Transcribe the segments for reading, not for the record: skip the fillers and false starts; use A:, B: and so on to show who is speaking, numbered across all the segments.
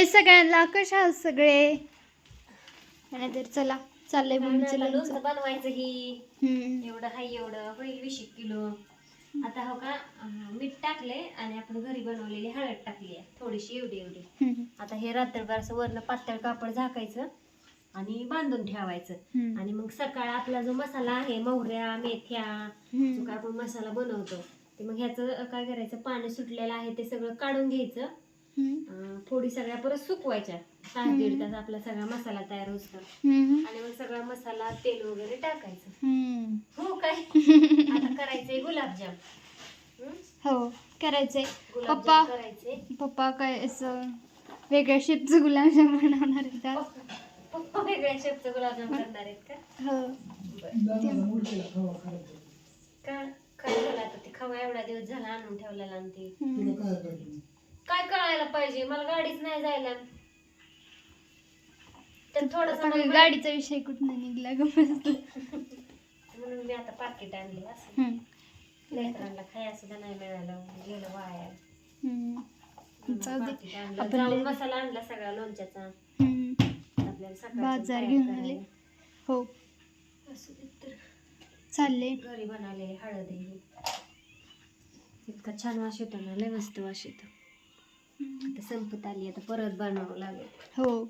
A: हाय सगळ्यांना, कशा आहात सगळे? आणि तर चला चाललंय मम्मीचं लोणचं
B: बनवायचं ही एवढं हाय, एवढं होईल 20 किलो. आता हो का मीठ टाकले आणि आपण घरी बनवलेली हळद टाकली आहे थोडीशी, एवढी एवढी. आता हे रात्रभर असं वरनं पातळ कापड झाकायचं आणि बांधून ठेवायचं. आणि मग सकाळ आपला जो मसाला आहे, मोहऱ्या मेथ्या जो काय आपण मसाला बनवतो ते मग ह्याचं काय करायचं, पाणी सुटलेलं आहे ते सगळं काढून घ्यायचं. फोडी सगळ्या परत सुकवायच्या, 6-1.5 तास आपला सगळा मसाला तयार होतो. आणि मग सगळा मसाला तेल वगैरे टाकायचं. हो काय आता करायचंय गुलाबजाम.
A: हो करायचंय.
B: गुलाबजाम करायचे.
A: पप्पा काय असं वेगळ्या शेपचं गुलाबजाम बनवणार आहेत.
B: पप्पा वेगळ्या शेपचं गुलाबजाम करणार आहेत का?
A: हो.
B: का काय झालं आता, ते खवा एवढा दिवस झाला आणून ठेवलेला आणि ते काय कळायला पाहिजे, मला गाडीच नाही जायला. तर थोडस
A: गाडीचा विषय कुठं निघला ग
B: म्हणून मी आता पाकिट आणले. असं लेकरांना खाया सुद्धा नाही मिळालं, गेलं वाया. जाऊन मसाला आणला सगळा लोणच्याचा, आपल्याला सकाळी
A: बाजार घेऊन आले. हो
B: असू दे तर
A: चालले.
B: घरी बनवलेली हळद आहे, इतका छान वास येतो ना, लय मस्त वास येतो. आता संपत आली, आता परत बनवावं लागेल.
A: हो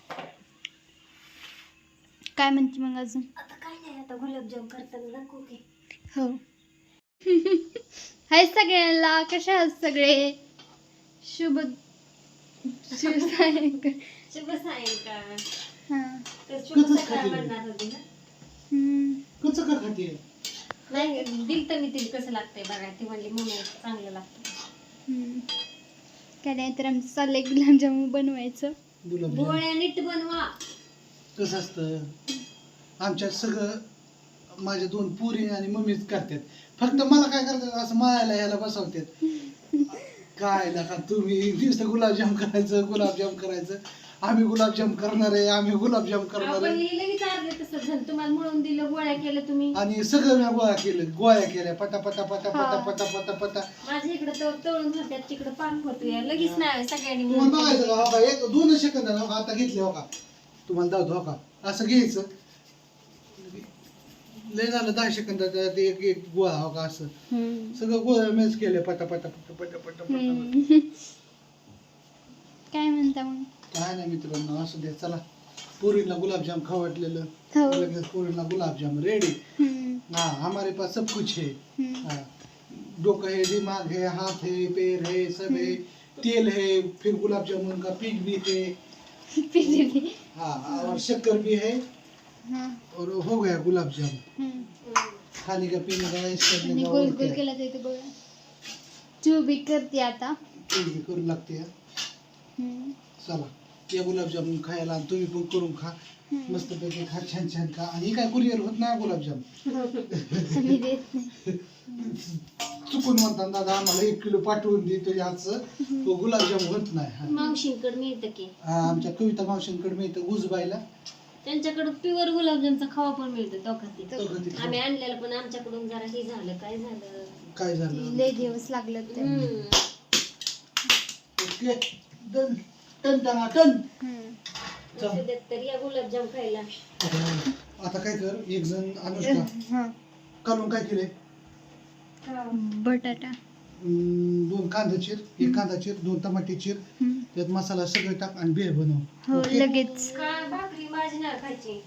A: काय म्हणते मग अजून?
B: आता काय नाही, आता गुलाबजाम करताना दाखवू की.
A: हो हाय सगळ्यांना, कशा आहात सगळे? शुभ सायंकाळ.
B: शुभ सायंकाळ.
A: हां
B: तर शुभ सकाळ म्हणणार होती ना.
C: कसं का खाते?
B: नाही दिल तर मी तिला कसं लागतंय बघा, ती म्हणली मम्मी चांगलं लागतं.
A: काय नाही तर आमचं चाललंय गुलाबजामुन बनवायचं.
B: गोळ्या नीट बनवा.
C: कसं असतं, आमच्यात सगळं माझ्या 2 पुरी आणि मम्मीच करतात. फक्त मला काय करतात, असं मायाला ह्याला बसवतात. काय नका तुम्ही नुसतं गुलाबजाम करायचं. आम्ही गुलाबजाम करणार आहे, आम्ही गुलाबजाम करणार
B: आपण
C: आहे.
B: लगेच अर्धे तसं झालं, तुम्हाला मिळून दिलं, गोळ्या केल्या तुम्ही.
C: आणि सगळं मी गोळ्या केल्या पटा पटा पटा पटा पटा पटा पटा.
B: माझ्या इकडे तळून होत्यात, तिकडे पाक होतोय, लगेच नाही सगळ्यांनी
C: तुम्हाला
B: मिळून
C: बघायचं का, हो का 1-2 सेकंद हो का, आता घेतले हो का, तुम्हाला दावतो हो का, असं घ्यायचं. लय झालं 10 सेकंदात एक गोळा हो का, असं सगळं गोळा मेच केले पटा पटा पटा पटा पटा पटा.
A: काय म्हणता मग?
C: काय नाही मित्रांनो, असं द्या. चला पुरीला गुलाबजाम खाऊ वाटलेलं, लगेच पुरीला गुलाबजाम रेडी. हाँ हमारे पास सब कुछ है. हाँ, डोका है, दिमाग है, हाथ है, पैर है, सब है, तेल है, फिर गुलाब जामुन का पीक भी है. हाँ और शक्कर भी है. और हो गया गुलाब जामुन. खाने का पीने का इस करने का
A: गोल गोल केला जाते बघा. तू बी करते आता,
C: करू लागते. चला या गुलाबजामुन खायला, आणि तुम्ही पण करून खा, मस्त पैकी खा, छान छान खा. आणि काय कुरिअर होत नाही गुलाबजाम,
A: मी देत नाही.
C: चुकून म्हणतात दादा आम्हाला 1 किलो पाठवून दे तुझ्या हातचं, तो गुलाबजाम होत नाही.
B: मावशींकडे मिळतं की,
C: आमच्या कविता मावशींकडे मिळतं गुजबाईला,
B: त्यांच्याकडे प्युअर गुलाबजामचा खवा पण मिळतो दोघांती. आम्ही आणलेला पण आमच्याकडून जरा हे झालं, काय झालं
A: लय दिवस लागलं ते.
C: ओके डन टन टना टन.
B: तर या गुलाबजाम खायला.
C: आता काय कर, एक जण अनुष्का कालून काय केले,
A: बटाटा
C: 2 कांदा चिर, 1 कांदा चिर, 2 टमाटे चिर, त्यात मसाला सगळं टाक आणि भेळ बनव.
A: हो लगेच.
B: काय भाकरी भाजी नाही खायची.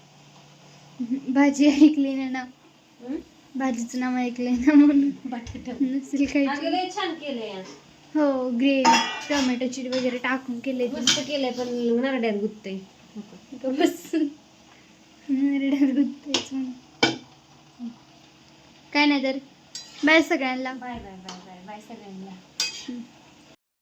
A: भाजी ऐकली ना नाव, भाजीचं नाव ऐकलंय ना म्हणून
B: बटाटा
A: नसेल काही.
B: लय छान केलंय.
A: हो ग्रेव्ही टोमॅटोची वगैरे टाकून केले,
B: मस्त केलंय, पण नरड्यात गुत्तय.
A: बस नरड्यात गुंततेच म्हणून. काय नाही तर बाय सगळ्यांना.
B: Bye bye bye bye bye सगळ्यांना.